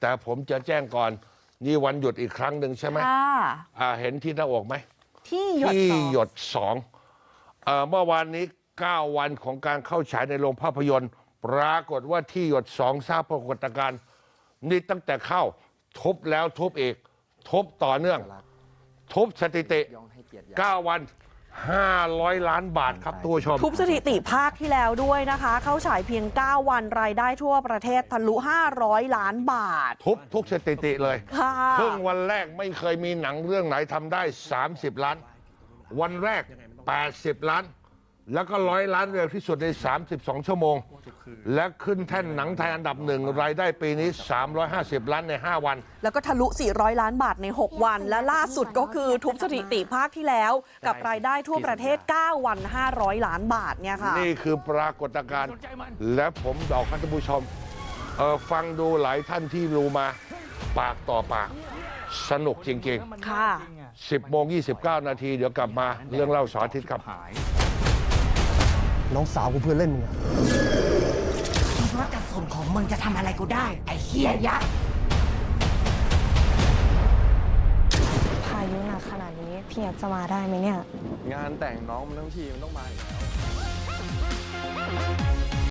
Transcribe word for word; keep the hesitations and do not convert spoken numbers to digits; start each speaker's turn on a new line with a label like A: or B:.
A: แต่ผมจะแจ้งก่อนนี่วันหยุดอีกครั้งหนึ่งใช่ไหม
B: ค่ะ
A: อ่าเห็นที่หน้าอกไหม
B: ที่หยด
A: ที่
B: สอง
A: หยดสองเอ่อเมื่อวานนี้เก้าวันของการเข้าฉายในโรงภาพยนตร์ ปรากฏว่าที่หยดสองสร้างปรากฏการณ์นี่ตั้งแต่เข้าทุบแล้วทุบอีกทุบต่อเนื่อง ทุบสถิติเก้าวันห้าร้อยล้านบาทครับตัวชม
B: ทุบสถิติภาคที่แล้วด้วยนะคะ เข้าฉายเพียง เก้า วันรายได้ทั่วประเทศทะลุห้าร้อยล้านบาท
A: ทุบทุกสถิติเลย
B: ค่ะ
A: ครึ่งวันแรกไม่เคยมีหนังเรื่องไหนทำได้สามสิบล้าน วันแรกแปดสิบล้าน แล้วก็ร้อยล้านเร็วที่สุดในสามสิบสองชั่วโมง และขึ้นแท่นหนังไทยอันดับหนึ่งรายได้ปีนี้สามร้อยห้าสิบล้านในห้าวัน
B: แล้วก็ทะลุ สี่ร้อย ล้านบาทใน หก วัน และล่าสุดก็คือทุบสถิติภาคที่แล้ว กับรายได้ทั่วประเทศ เก้า วัน ห้าร้อย ล้านบาทเนี่ยค่ะ
A: นี่คือปรากฏการณ์และผมบอกท่านผู้ชมเออฟังดูหลายท่านที่รู้มาปากต่อปาก สนุกจริงๆ
B: ค่ะ
A: สิบโมงยี่สิบเก้านาทีเดี๋ยวกลับมาเรื่องเล่าเสาร์อาทิตย์ครับ
C: น้องสาวกูเพื่อนเล่นมึงอะ
D: คิดว่ากระสุนของมึงจะทำอะไรกูได้ ไอ้เฮียยักษ์
E: พายุหนักขนาดนี้พี่แอฟจะมาได้ไหมเนี่ย
F: งานแต่งน้องมันทั้งทีมันต้องมาอยู่แล้ว